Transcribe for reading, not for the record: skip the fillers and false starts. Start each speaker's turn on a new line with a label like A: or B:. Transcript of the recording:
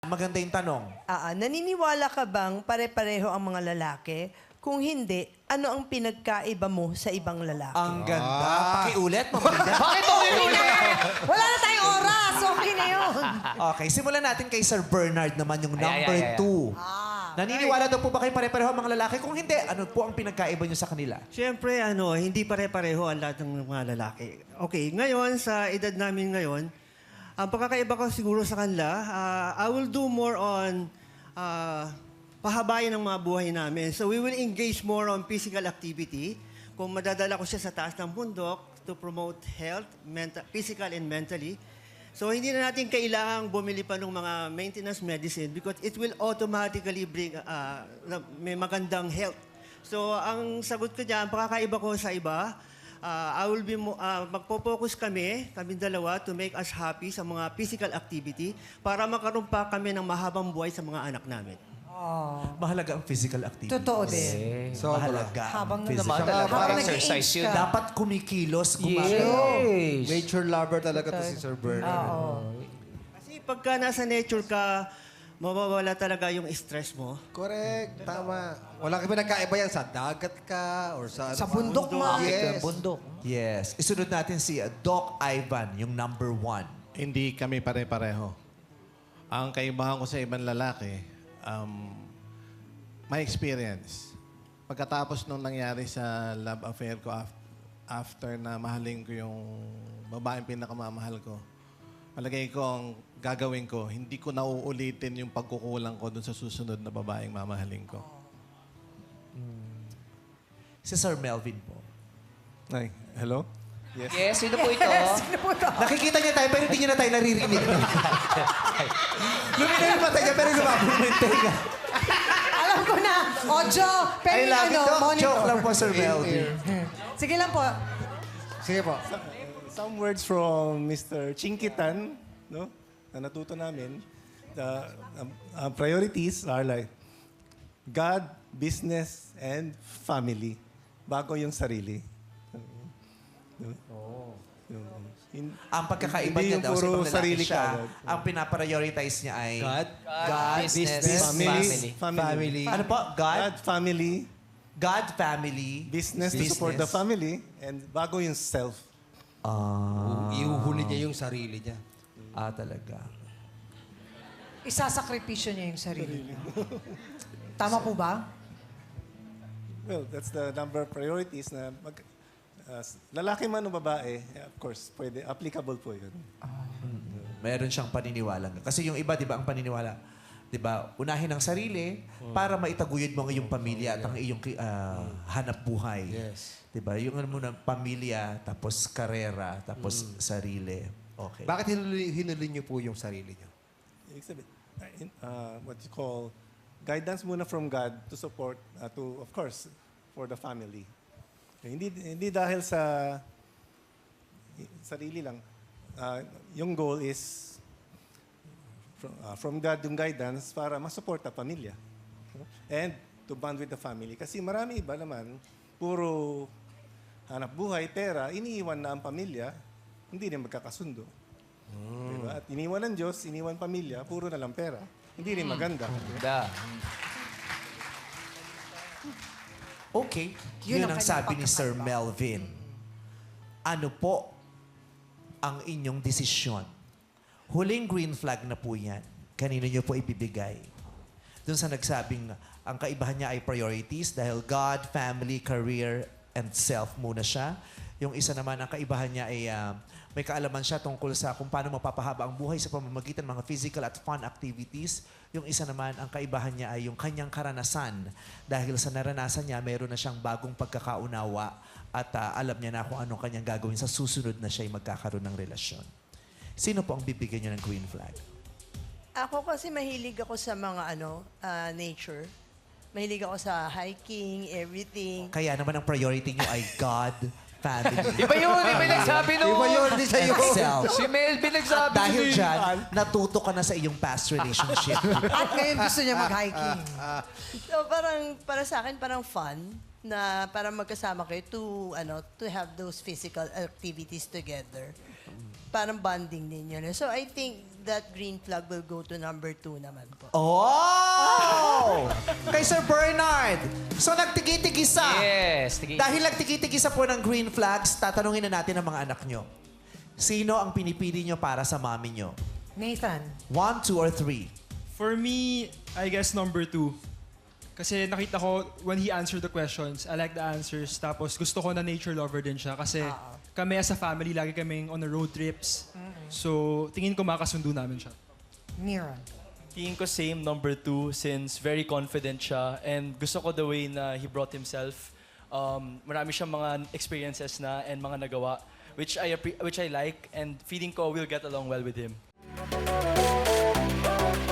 A: Maganda yung tanong.
B: Naniniwala ka bang pare-pareho ang mga lalaki? Kung hindi, ano ang pinagkaiba mo sa ibang lalaki?
A: Ang ganda. Pakiulit, mabida.
C: Bakit ulit?
B: Wala na tayong oras! Okay na yun!
A: Okay, simulan natin kay Sir Bernard naman yung number
C: Ay.
A: 2. Naniniwala daw po ba kayo pare-pareho ang mga lalaki? Kung hindi, ano po ang pinagkaiba nyo sa kanila?
D: Siyempre, hindi pare-pareho ang lahat ng mga lalaki. Okay, ngayon, sa edad namin ngayon, ang pagkakaiba ko siguro sa kanila, I will do more on pahabayan ng mga buhay namin. So we will engage more on physical activity. Kung madadala ko siya sa taas ng bundok to promote health, physical and mentally. So hindi na natin kailangang bumili pa ng mga maintenance medicine because it will automatically bring may magandang health. So ang sagot ko dyan, pakakaiba ko sa iba, I will be magpo-focus kami dalawa to make us happy sa mga physical activity para makaroon pa kami ng mahabang buhay sa mga anak namin.
A: Mahalaga ang physical activity.
B: Totoo din.
A: Mahalaga ang
B: Habang
A: physical
C: naman talaga.
B: Habang
C: Exercise
B: nag-i-age
C: yun.
B: ka.
A: Dapat kumikilos, gumagalaw.
C: Yes.
E: Nature lover talaga to si Sir Bernard.
D: Kasi pagka nasa nature ka, mawawala talaga yung stress mo.
E: Correct, tama. Wala kami nagkaiba yan sa dagat ka or sa...
B: Sa bundok mo.
E: Yes.
C: Bundok.
A: Yes. Isunod natin si Doc Ivan, yung number 1.
F: Hindi kami pare-pareho. Ang kaibahan ko sa ibang lalaki, my experience. Pagkatapos nung nangyari sa love affair ko, after na mahalin ko yung babaeng pinakamamahal ko, palagay ko ang gagawin ko, hindi ko nauulitin yung pagkukulang ko dun sa susunod na babaeng mamahalin ko.
A: Si Sir Melvin po.
F: Ay, hello?
C: Yes, sino po ito?
A: Nakikita niya tayo pero hindi niya na tayo naririnig. Lumina yung mata niya pero lumabog yung tenga.
B: Alam ko na. Ojo,
A: I
B: pero
A: love it, Doc.
B: monitor.
A: Joke lang po, Sir Melvin.
B: Sige lang po.
E: Sige po.
F: Some words from Mr. Chinkitan, no? Na natuto namin. The priorities are like God, business, and family. Bago yung sarili.
A: Ang pagkakaiba
F: Hindi
A: niya
F: yung
A: daw sa
F: puro
A: ibang lalaki
F: sarili
A: siya,
F: ka.
A: ang pinaprioritize niya ay
E: God,
C: business,
F: Family.
E: family.
A: Ano po?
F: God, family,
A: God, family,
F: business to support the family, and bago yung self.
E: Iuhuli niya yung sarili niya.
A: Talaga.
B: Isasakripisyo niya yung sarili niya. Tama po ba?
F: Well, that's the number of priorities na lalaki man o babae, of course, pwede, applicable po yun.
A: Meron siyang paniniwala. Kasi yung iba, di ba, ang paniniwala, di ba, unahin ang sarili para maitaguyod mo ang iyong pamilya at ang iyong hanap buhay.
E: Yes.
A: Di ba? Yung ano muna, pamilya, tapos karera, tapos sarili. Okay.
E: Bakit hinuli niyo po yung sarili niyo?
F: Ibig sabihin, what you call guidance muna from God to support, of course, for the family. Hindi dahil sa sarili lang. Yung goal is from God yung guidance para masupport ang pamilya. And to bond with the family. Kasi marami iba naman, puro hanap buhay, pera, iniiwan na ang pamilya, hindi rin magkakasundo. Diba? At iniwan ng Diyos, iniwan pamilya, puro na lang pera. Hindi rin maganda.
C: Da.
A: Okay.
B: Yun
A: Yun
B: ang
A: ang
B: kanyang
A: sabi ni Sir Melvin. Ano po ang inyong desisyon? Huling green flag na po yan. Kanino nyo po ibibigay? Doon sa nagsabing ang kaibahan niya ay priorities dahil God, family, career, and self muna siya. Yung isa naman, ang kaibahan niya ay may kaalaman siya tungkol sa kung paano mapapahaba ang buhay sa pamamagitan ng mga physical at fun activities. Yung isa naman, ang kaibahan niya ay yung kanyang karanasan. Dahil sa naranasan niya, meron na siyang bagong pagkakaunawa at alam niya na kung anong kanyang gagawin sa susunod na siya'y magkakaroon ng relasyon. Sino po ang bibigyan niyo ng green flag?
B: Ako kasi mahilig ako sa mga nature. Mahilig ako sa hiking, everything.
A: Kaya naman ang priority niyo ay God, family,
C: Iba yun, iba yung nagsabi nun.
E: Iba yun, di sa'yo.
A: and self.
C: Si Melvin nagsabi.
A: Dahil dyan, natuto ka na sa iyong past relationship.
B: At ngayon gusto niya mag-hiking. So parang, para sa akin, parang fun na para magkasama kayo to have those physical activities together. Parang bonding din yun. So I think that green flag will go to number 2 naman po.
A: Oh! Kay Sir Bernard. So, nagtigi-tigisa.
C: Yes.
A: Dahil nagtigi-tigisa po ng green flags, tatanungin na natin ang mga anak nyo. Sino ang pinipili nyo para sa mami nyo?
G: Nathan.
A: 1, 2, or 3?
H: For me, I guess number 2. Kasi nakita ko, when he answered the questions, I like the answers. Tapos gusto ko na nature lover din siya. Kasi kami as a family, lagi kaming on the road trips. So, tingin ko makasundo namin siya.
G: Mira.
I: Tingin ko same number 2 since very confident siya and gusto ko the way na he brought himself. Marami siyang mga experiences na and mga nagawa which I like and feeling ko we'll get along well with him.